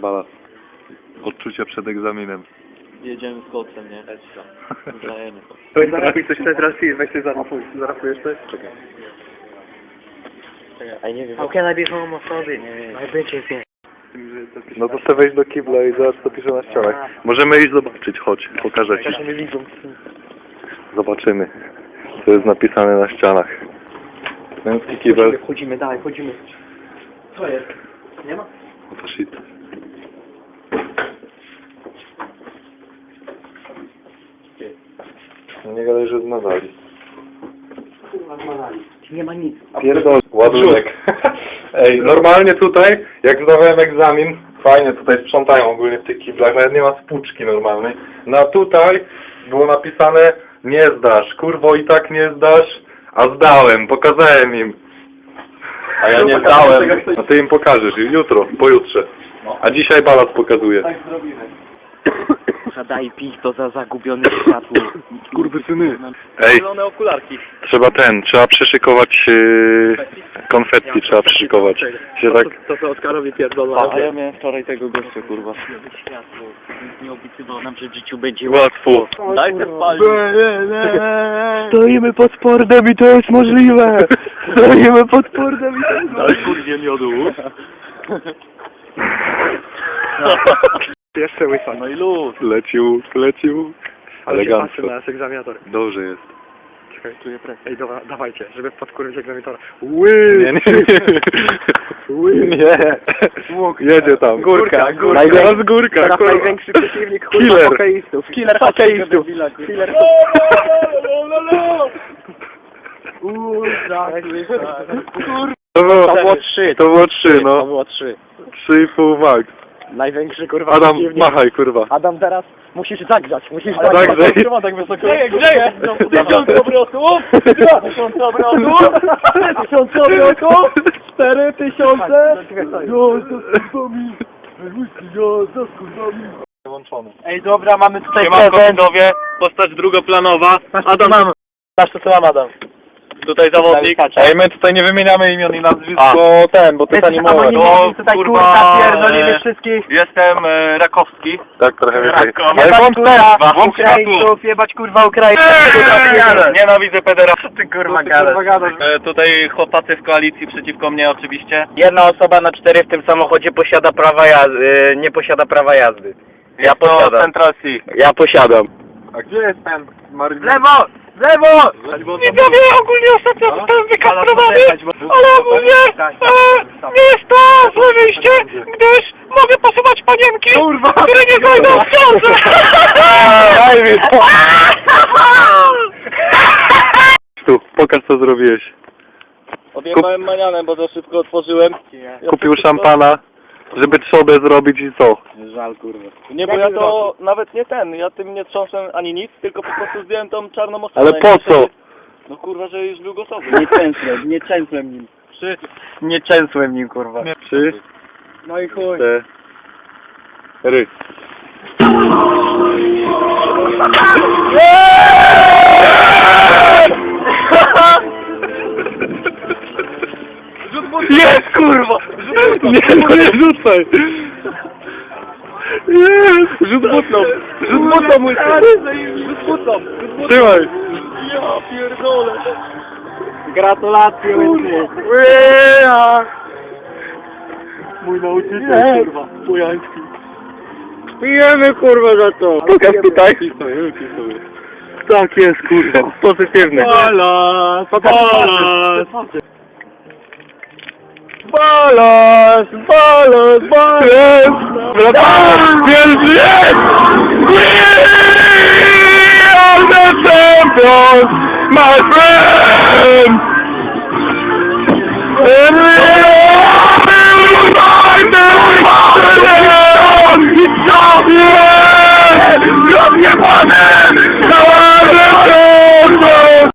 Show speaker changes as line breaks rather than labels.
Balas? Odczucia przed egzaminem.
Jedziemy z koksem, nie? Zdajemy to.
Zaraz coś teraz weź ty zarafujesz coś? Czekaj.
A nie wiem.
How can I be homophobic? My bitches, yeah.
No to chcę wejść do kibla i zobacz co pisze na ścianach. Możemy iść zobaczyć, chodź, pokażę ci.
Nie widzą.
Zobaczymy, co jest napisane na ścianach. Męski kibel.
Chodzimy, dalej, chodzimy. Co jest? Nie ma?
No to shit. No nie gadaj, że zmazali.
Kurwa, zmalali. Nie ma nic.
Pierdol, ładunek. Ej, normalnie tutaj, jak zdawałem egzamin, fajnie tutaj sprzątają ogólnie w tych kiblach, nawet nie ma spłuczki normalnej. No a tutaj było napisane, nie zdasz, kurwo i tak nie zdasz, a zdałem, pokazałem im. A ja nie zdałem. No ty im pokażesz, jutro, pojutrze. A dzisiaj Balas pokazuje.
Tak zrobimy.
Daj pić to za zagubione światło.
Skurwysyny. Ej,
Zielone okularki.
trzeba przyszykować konfetti, trzeba przyszykować. Się tak...
To Oskarowi pierdolą.
A ja miałem wczoraj tego gościa, kurwa. Światło. Nikt nie obiecywał nam, że w życiu będzie
Łatwo.
Daj te spalić.
Stoimy pod sportem i to jest możliwe. Stoimy pod sportem i to jest
Daj kurwie miodu.
Jeszcze łysa.
No i luz.
Lecił.
Ale się patrzy
Elegancko.
na nas egzaminator.
Dobrze jest.
Czekaj, czuję presję. Ej, dobra, dawajcie, żeby podkurwić egzaminatora.
Nie. Jedzie tam.
Górka.
Teraz górka.
Teraz
kurwa.
największy przeciwnik kurwa
Killer.
hokeistów. Killer hokeistów. Killer
To
To było 3.
To było 3, no.
To było 3.
3,5 max.
Największy kurwa
Adam,
przeciwnik.
machaj, kurwa.
Adam, teraz musisz zagrzać.
Zagrzej.
Trzyma tak wysoko. Grzeje. 1000 obrotów. 2000 obrotów. 3000 obrotów. 4000.
Wyłączony.
Ej, dobra, mamy tutaj
Siemanko
prezent.
widzowie, postać drugoplanowa.
Adam, masz to co mam, Adam.
Tutaj zawodnik.
Ej, my tutaj nie wymieniamy imion i nazwisk, bo to jest animowe.
anonimowi, tutaj
kurwa,
kurwa pierdolimy wszystkich.
Jestem Rakowski.
Tak, trochę więcej.
Rakko.
Ale
Jebać
włącz
kurwa
włącz
Ukraińców, jebać kurwa Ukraińców.
Nienawidzę pedera.
Ty kurwa gadasz.
Tutaj chłopacy w koalicji przeciwko mnie oczywiście.
Jedna osoba na 4 w tym samochodzie posiada prawa jazdy, nie posiada prawa jazdy. Ja posiadam.
Central C.
Ja posiadam.
A gdzie jest ten Mariusz?
Lewo! Lewo!
Widzowie, ogólnie ostatnio zostałem wykastrowany, ale ogólnie nie jest to złe wyjście, gdyż mogę posuwać panienki, które nie znajdą w ciąży.
Daj mi to! Tu, pokaż co zrobiłeś.
Odjebałem manianem, bo za szybko otworzyłem.
Kupił szampana, żeby trzobę zrobić i co?
Żal kurwa. Nie, bo ja to nawet nie ja tym nie trząsłem ani nic, tylko po prostu zdjąłem tą czarną osobę.
Ale po co?
No kurwa, że już był gotowy.
Nie częsłem nim.
Nie częsłem nim, kurwa.
3,
No i chuj.
4.
Jest, kurwa!
Nie rzucaj! Jest!
Rzut butną! Rzut butną, mój
Rzut butą.
Trzymaj!
Ja pierdolę. Gratulacje, łysy. Mój nauczyciel, kurwa. Pujański.
Pijemy, kurwa, za to!
Pokaż tutaj!
Tak jest, kurwa.
Pozytywny.
Balas!
Jest! We are the champions, my friends! And we